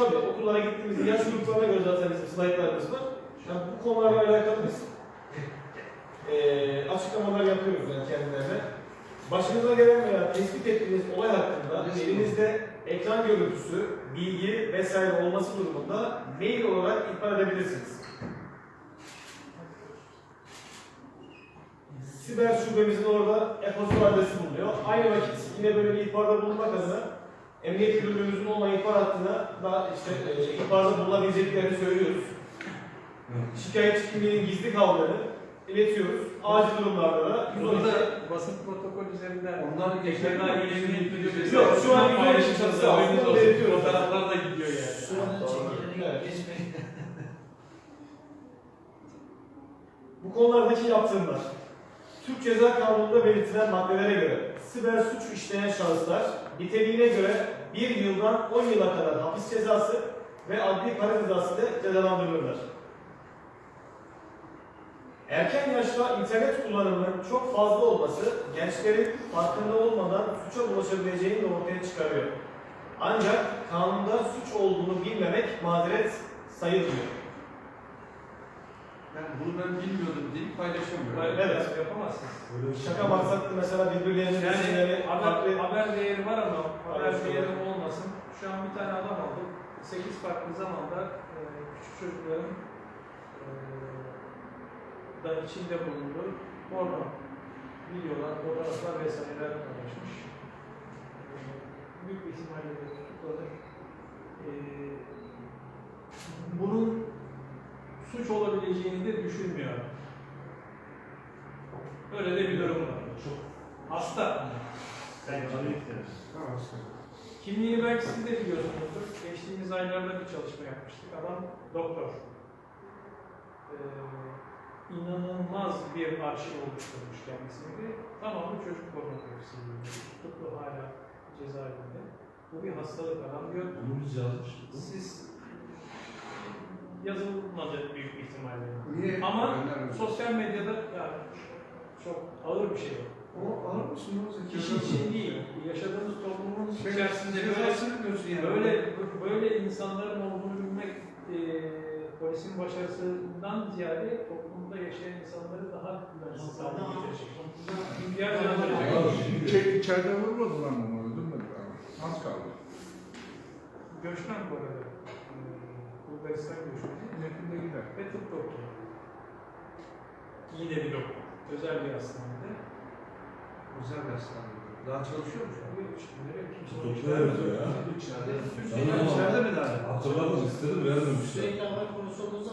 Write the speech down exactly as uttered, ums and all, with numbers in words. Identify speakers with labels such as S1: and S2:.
S1: tabii okullara gittiğimizde yaş gruplarına göre zaten bizim slaytlarımız var. Yani bu konularla alakalı biz e, açıklamalar yapıyoruz yani kendilerine. Başınıza gelen veya tespit ettiğiniz olay hakkında elinizde ekran görüntüsü, bilgi vesaire olması durumunda mail olarak ihbar edebilirsiniz. Siber şubemizin orada e-posta adresi bulunuyor. Aynı vakit yine böyle bir ihbarda bulunmak adına Emniyet Müdürlüğümüzün online ihbar hattına da işte e, ihbarda bulunabileceklerini söylüyoruz. Şikayetçi kimliğinin gizli kaldığını iletiyoruz. Acil durumlarda da yüz on iki
S2: basın protokol üzerinden
S3: onlar geçerli
S2: Emniyet Müdürlüğü
S1: yok şu an yüz on iki çatısı altında belirtiyoruz.
S2: Fotoğraflar da gidiyor yani.
S4: Şu an çekilerini
S1: Evet.
S4: geçmeyin.
S1: Bu konulardaki yaptırımlar, Türk Ceza Kanunu'nda belirtilen maddelere göre siber suç işleyen şahıslar niteliğine göre bir yıldan on yıla kadar hapis cezası ve adli para cezası ile cezalandırılırlar. Erken yaşta internet kullanımının çok fazla olması gençlerin farkında olmadan suça bulaşabileceğini de ortaya çıkarıyor. Ancak kanunda suç olduğunu bilmemek mazeret sayılmıyor.
S3: Yani bunu ben bilmiyordum deyip paylaşamıyorum.
S2: Hayır,
S1: Evet.
S2: yapamazsınız.
S1: Şaka maksatlı mesela birbirlerinin
S2: Yani
S1: resimleri
S2: haber,
S1: farklı...
S2: haber değeri var ama haber
S1: Evet,
S2: değeri
S1: evet.
S2: olmasın. Şu an bir tane adam aldık. sekiz farklı zamanda e, küçük çocukların e, da içinde bulunduğu porno videolar, fotoğraflar vesaireler paylaşmış. E, büyük bir ihtimalle de tutukladık. E, bunun suç olabileceğini de düşünmüyor. Öyle de bir durum var. Hasta. Kimliğini belki siz de biliyorsunuzdur. Geçtiğimiz aylarda bir çalışma yapmıştık. Adam doktor. Ee, inanılmaz bir arşiv oluşturmuş kendisini. Tamamı çocuk pornografisi. Tutuklu hala cezaevinde. Bu bir hastalık adam diyor.
S5: Bunu biz yazmıştık.
S2: Siz yazılmadı büyük bir ihtimalle.
S3: Niye?
S2: Ama
S3: Önemli.
S2: sosyal medyada yani çok ağır bir şey.
S3: O alır mısın?
S2: Kişi için değil, yaşadığımız toplumun
S3: Şey,
S2: içerisinde böyle,
S3: cezasını biliyorsun yani.
S2: böyle, böyle insanların olduğunu bilmek e, polisin başarısından ziyade toplumda yaşayan insanları daha güvensiz hale getirecek. İhtiyar uyandıracak.
S6: İçeri, içeride vurmadılar mı onu? Öldürmediler mi? Az kaldı.
S2: Göçmen bu arada. E, Bulgaristan göçmeni
S6: Yakında gider.
S2: ve tıp doktoru. Yine bir doktor. Özel bir hastanede.
S3: Güzel bir hastane. Daha çalışıyor mu şu an?
S5: Tutuklu evet ya.
S3: İçeride.
S5: Tamam.
S3: İçeride mi daha?
S5: Hatırladım istedim vermemişler.
S4: Sürekli haber konusu olduğu